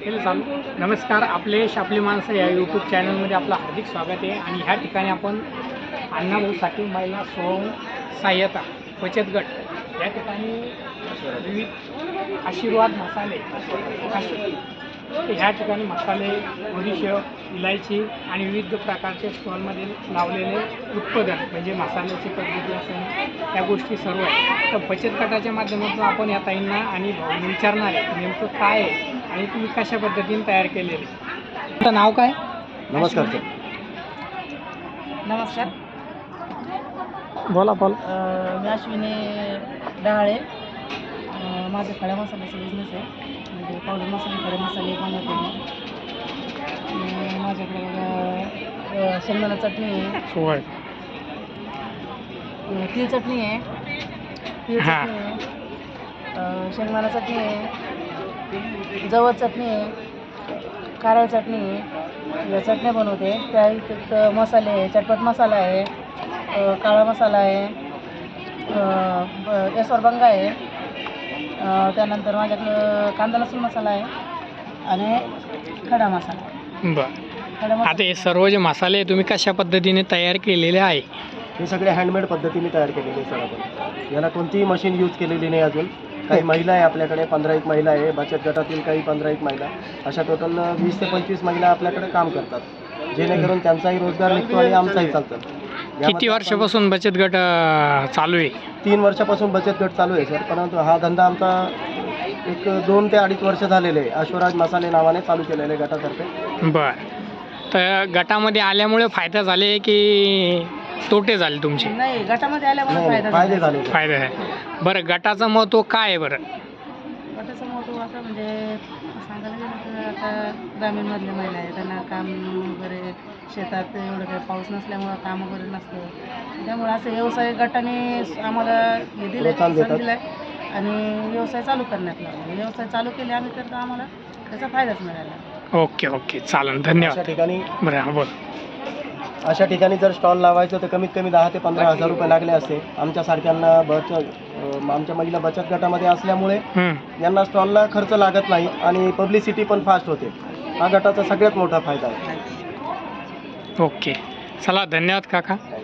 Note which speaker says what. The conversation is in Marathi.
Speaker 1: नमस्कार, आपले शापली माणसं या यूट्यूब चॅनलमध्ये आपलं हार्दिक स्वागत आहे. आणि ह्या ठिकाणी आपण अण्णाभाऊ साठे महिला स्वयं सहाय्यता बचत गट या ठिकाणी विविध आशीर्वाद मसाले ह्या ठिकाणी मसाले, बडीशेप, इलायची आणि विविध प्रकारचे स्टॉलमध्ये लावलेले उत्पादन म्हणजे मसाल्याची पद्धती असेल त्या गोष्टी सर्व आहे. तर बचत गटाच्या माध्यमातून आपण या ताईंना आणि भाऊंना विचारणार आहे नेमकं काय आहे आणि तुम्ही कशा पद्धतीने तयार केलेले. तुमचं नाव काय?
Speaker 2: नमस्कार सर.
Speaker 3: नमस्कार.
Speaker 1: बोला.
Speaker 3: मी अश्विनी डहाळे. माझं खड्या मसाल्याचा बिझनेस आहे, म्हणजे पावडर मसाले, खडे मसाले बनवते मी. माझ्याकडे बघा शेंगदाणा चटणी आहे, तीळ चटणी आहे, शेंगदाणा चटणी आहे, जवस चटणी आहे, कारळ चटणी आहे. या चटण्या बनवते. त्या व्यतिरिक्त मसाले आहे, चटपट मसाला आहे, काळा मसाला आहे, एसरबंगा आहे. त्यानंतर माझ्याकडं कांदा लसूण मसाला आहे आणि खडा मसाला.
Speaker 1: बरं, आता हे सर्व जे मसाले तुम्ही कशा पद्धतीने तयार केलेले आहे?
Speaker 2: हे सगळे हँडमेड पद्धतीने तयार केलेले सर. आपण याला कोणतीही मशीन यूज केलेली नाही अजून. काही महिला आहे आपल्याकडे, 15-1 महिला आहे बचत गटातील, काही 15-1 महिला, अशा टोटल 20 ते 25 महिला आपल्याकडे काम करतात, जेणेकरून त्यांचाही रोजगार निघतो आणि आमचाही चालतो.
Speaker 1: किती वर्षापासून बचत गट चालू आहे?
Speaker 2: 3 वर्षापासून बचत गट चालू आहे सर. परंतु हा धंदा आमचा एक 2 ते 2.5 वर्ष झालेले आहे. अश्वराज मसाले नावाने चालू केलेले आहे गटातर्फे.
Speaker 1: बरं, तर गटामध्ये आल्यामुळे फायदा झाले की तोटे झाले तुमचे?
Speaker 3: नाही, गटामध्ये आल्यामुळे
Speaker 2: फायदे झाले.
Speaker 1: फायदा आहे. बरं, गटाचं महत्त्व काय आहे? बरं,
Speaker 3: गटाचं महत्त्व असं म्हणजे सांगायला गेलं तर आता ग्रामीणमधले महिला आहे, त्यांना काम वगैरे शेतात एवढं काही पाऊस नसल्यामुळं काम वगैरे नसतं. त्यामुळे असं व्यवसाय गटाने आम्हाला हे दिलं, प्रोत्साहन दिलं आणि व्यवसाय चालू करण्यात लावला. व्यवसाय चालू केले आम्ही तर आम्हाला त्याचा फायदाच मिळाला.
Speaker 1: ओके, चालेल, धन्यवाद.
Speaker 2: अशा ठिकाणी
Speaker 1: बरं, बोल.
Speaker 2: अशा ठिकाणी जर स्टॉल लावायचं तर कमीत कमी 10 ते 15 हजार रुपये लागले असते. आमच्यासारख्यांना आमच्या महिला बचत गटामध्ये असल्यामुळे यांना स्टॉलला खर्च लागत नाही आणि पब्लिसिटी पण फास्ट होते. हा गटाचा सगळ्यात मोठा फायदा आहे.
Speaker 1: ओके, चला, धन्यवाद काका.